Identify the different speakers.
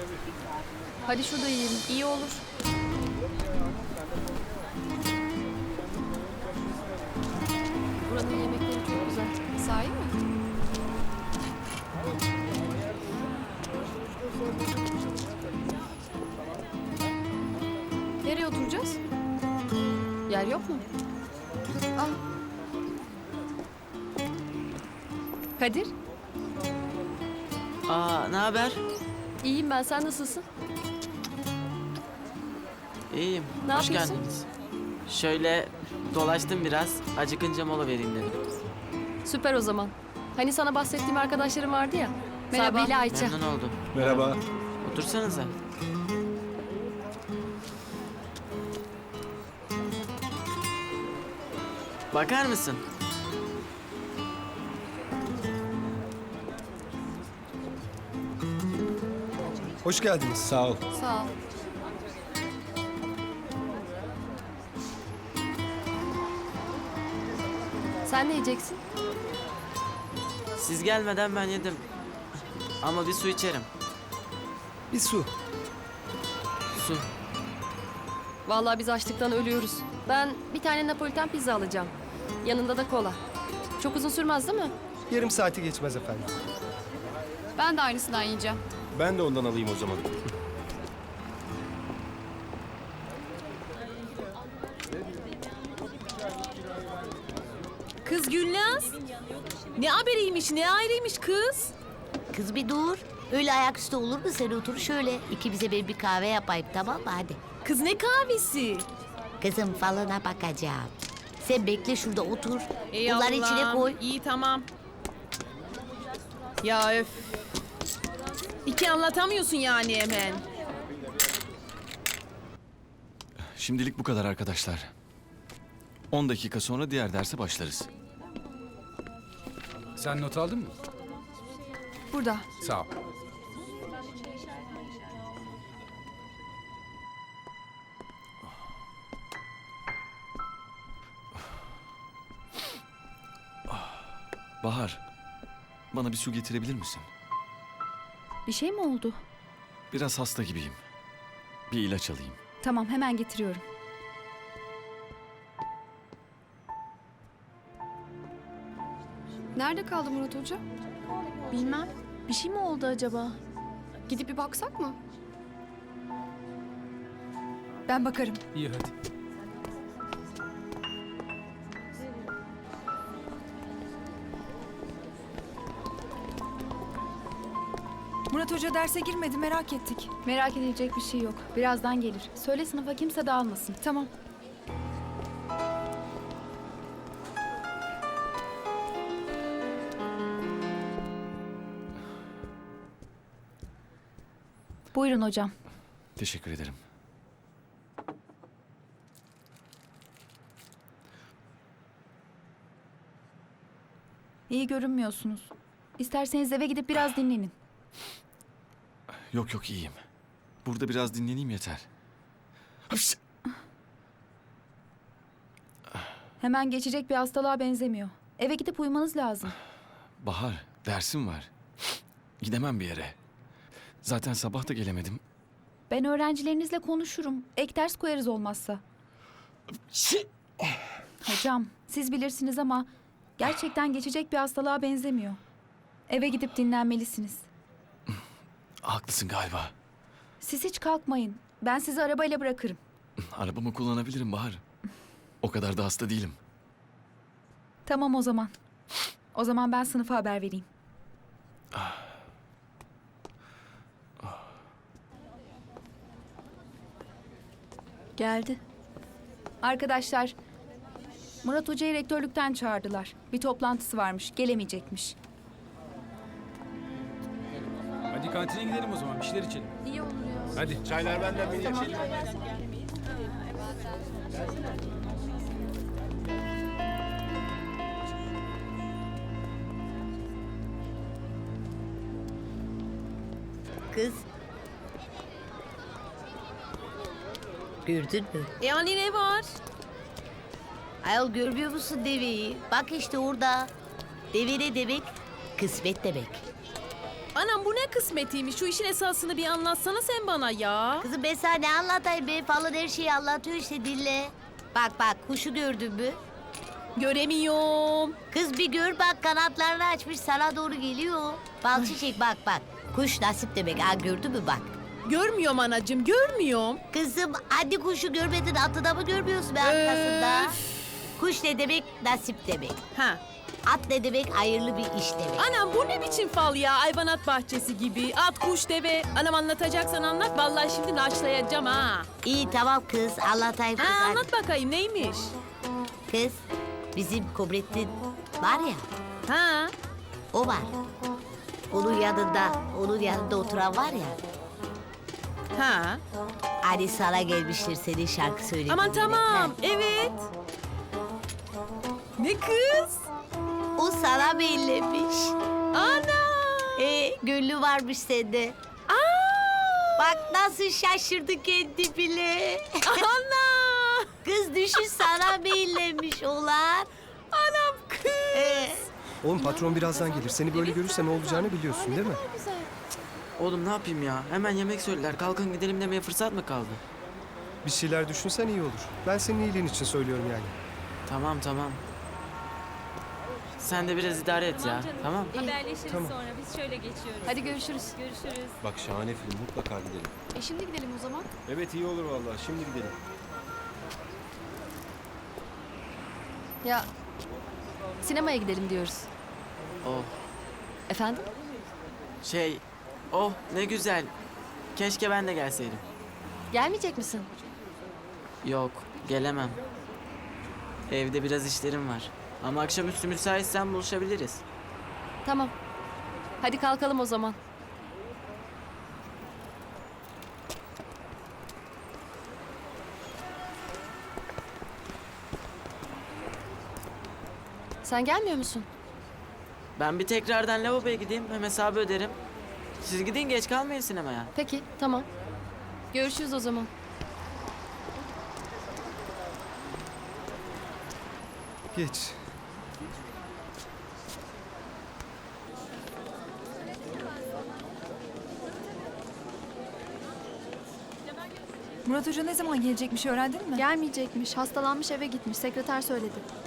Speaker 1: Hadi şurada yiyelim. İyi olur. Buranın yemekleri çok güzel. Sahi mi? Nereye oturacağız? Yer yok mu? Al. Kadir,
Speaker 2: Ne haber?
Speaker 1: iyiyim ben. Sen nasılsın?
Speaker 2: İyiyim.
Speaker 1: Ne
Speaker 2: Hoş
Speaker 1: yapıyorsun?
Speaker 2: geldiniz. Şöyle dolaştım biraz. Acıkınca mola vereyim dedim.
Speaker 1: Süper o zaman. Hani sana bahsettiğim arkadaşlarım vardı ya.
Speaker 3: Merhaba.
Speaker 1: Sabi ile Ayça.
Speaker 2: Memnun oldum.
Speaker 4: Merhaba.
Speaker 2: Otursanıza. Bakar mısın?
Speaker 4: Hoş geldiniz. Sağ ol.
Speaker 1: Sağ ol. Sen ne yiyeceksin?
Speaker 2: Siz gelmeden ben yedim. Ama bir su içerim.
Speaker 4: Bir su.
Speaker 2: Su.
Speaker 1: Vallahi biz açlıktan ölüyoruz. Ben bir tane Napoliten pizza alacağım. Yanında da kola. Çok uzun sürmez değil mi?
Speaker 4: Yarım saati geçmez efendim.
Speaker 3: Ben de aynısından yiyeceğim.
Speaker 4: Ben de ondan alayım o zaman.
Speaker 5: Kız Gülnaz. Ne haberiymiş, ne ayrıymış kız.
Speaker 6: Kız bir dur. Öyle ayaküstü olur mu? Sen otur şöyle. İkimize bir kahve yapayım, tamam mı? Hadi.
Speaker 5: Kız ne kahvesi?
Speaker 6: Kızım falına bakacağım. Sen bekle şurada otur.
Speaker 5: Ey
Speaker 6: Bunları
Speaker 5: Allah'ım,
Speaker 6: içine koy.
Speaker 5: İyi tamam. Ya öf. İki anlatamıyorsun yani hemen.
Speaker 7: Şimdilik bu kadar arkadaşlar. 10 dakika sonra diğer derse başlarız.
Speaker 8: Sen not aldın mı?
Speaker 3: Burada.
Speaker 8: Sağ ol.
Speaker 7: Bahar, bana bir su getirebilir misin?
Speaker 3: Bir şey mi oldu?
Speaker 7: Biraz hasta gibiyim. Bir ilaç alayım.
Speaker 3: Tamam, hemen getiriyorum.
Speaker 1: Nerede kaldı Murat Hoca?
Speaker 3: Bilmem. Bir şey mi oldu acaba?
Speaker 1: Gidip bir baksak mı?
Speaker 3: Ben bakarım.
Speaker 8: İyi hadi.
Speaker 9: Murat Hoca derse girmedi, merak ettik.
Speaker 3: Merak edilecek bir şey yok. Birazdan gelir. Söyle sınıfa kimse dağılmasın.
Speaker 9: Tamam.
Speaker 3: Buyurun hocam.
Speaker 7: Teşekkür ederim.
Speaker 3: İyi görünmüyorsunuz. İsterseniz eve gidip biraz dinlenin.
Speaker 7: Yok yok iyiyim. Burada biraz dinleneyim yeter. Hapşi!
Speaker 3: Hemen geçecek bir hastalığa benzemiyor. Eve gidip uyumanız lazım.
Speaker 7: Bahar, dersim var. Gidemem bir yere. Zaten sabah da gelemedim.
Speaker 3: Ben öğrencilerinizle konuşurum. Ek ders koyarız olmazsa. Hocam, siz bilirsiniz ama gerçekten geçecek bir hastalığa benzemiyor. Eve gidip dinlenmelisiniz.
Speaker 7: Haklısın galiba.
Speaker 3: Siz hiç kalkmayın. Ben sizi arabayla bırakırım.
Speaker 7: Arabamı kullanabilirim Bahar. O kadar da hasta değilim.
Speaker 3: Tamam o zaman. O zaman ben sınıfa haber vereyim.
Speaker 1: Geldi.
Speaker 3: Arkadaşlar, Murat Hoca'yı rektörlükten çağırdılar. Bir toplantısı varmış, gelemeyecekmiş.
Speaker 8: Hadi kantine gidelim o zaman. Bir şeyler içelim.
Speaker 1: İyi olur ya.
Speaker 8: Hadi.
Speaker 4: Çaylar benden bir
Speaker 3: Tamam.
Speaker 6: Kız. Gördün mü?
Speaker 5: Yani ne var?
Speaker 6: Ayol görmüyor musun deveyi? Bak işte orada. Deve ne demek? Kısmet demek.
Speaker 5: Anam bu ne kısmetiymiş? Şu işin esasını bir anlatsana sen bana ya.
Speaker 6: Kızım ben sana ne anlatayım be? Falan her şeyi anlatıyor işte dinle. Bak bak kuşu gördün mü?
Speaker 5: Göremiyorum.
Speaker 6: Kız bir gör bak kanatlarını açmış sana doğru geliyor. Bal çiçek bak bak. Kuş nasip demek ha gördün mü bak.
Speaker 5: Görmüyorum anacığım, görmüyorum.
Speaker 6: Kızım hadi kuşu görmedin atı mı görmüyorsun be arkasında?
Speaker 5: Öf.
Speaker 6: Kuş ne demek? Nasip demek.
Speaker 5: Ha.
Speaker 6: At ne demek? Hayırlı bir iş demek.
Speaker 5: Anam bu ne biçim fal ya? Hayvanat bahçesi gibi. At, kuş, deve. Anam anlatacaksan anlat. Vallahi şimdi naşlayacağım ha.
Speaker 6: İyi tamam kız anlatayım kız.
Speaker 5: Ha
Speaker 6: hadi.
Speaker 5: anlat bakayım neymiş?
Speaker 6: Kız bizim Kobrettin var ya
Speaker 5: Ha.
Speaker 6: o var. Onun yanında oturan var ya.
Speaker 5: Ha.
Speaker 6: Hani sana gelmiştir senin şarkı söylediğin.
Speaker 5: Aman tamam. Evet. Ne kız?
Speaker 6: O sana bellemiş.
Speaker 5: Ana.
Speaker 6: Gönlü varmış sende.
Speaker 5: Aa.
Speaker 6: Bak nasıl şaşırdı kendi bile.
Speaker 5: Ana.
Speaker 6: Kız düşün sana bellemiş olan.
Speaker 5: Anam kız.
Speaker 4: Oğlum patron birazdan gelir. Seni böyle görürse ne olacağını biliyorsun değil mi?
Speaker 2: Oğlum ne yapayım ya? Hemen yemek söylediler. Kalkın gidelim demeye fırsat mı kaldı?
Speaker 4: Bir şeyler düşünsen iyi olur. Ben senin iyiliğin için söylüyorum yani.
Speaker 2: Tamam tamam. Sen de biraz idare et ya. Tamam.
Speaker 10: Haberleşiriz
Speaker 4: Tamam.
Speaker 10: sonra. Biz şöyle geçiyoruz.
Speaker 1: Hadi görüşürüz.
Speaker 10: Görüşürüz.
Speaker 4: Bak şahane film, mutlaka gidelim.
Speaker 1: Şimdi gidelim o zaman.
Speaker 4: Evet iyi olur vallahi. Şimdi gidelim.
Speaker 1: Ya sinemaya gidelim diyoruz.
Speaker 2: Oh.
Speaker 1: Efendim?
Speaker 2: Oh ne güzel. Keşke ben de gelseydim.
Speaker 1: Gelmeyecek misin?
Speaker 2: Yok, gelemem. Evde biraz işlerim var. Ama akşamüstü müsaitsen buluşabiliriz.
Speaker 1: Tamam. Hadi kalkalım o zaman. Sen gelmiyor musun?
Speaker 2: Ben bir tekrardan lavaboya gideyim, hem hesabı öderim. Siz gidin, geç kalmayın sinemaya.
Speaker 1: Peki, tamam. Görüşürüz o zaman.
Speaker 4: Geç.
Speaker 9: Murat Hoca ne zaman gelecekmiş öğrendin mi?
Speaker 3: Gelmeyecekmiş. Hastalanmış eve gitmiş. Sekreter söyledi.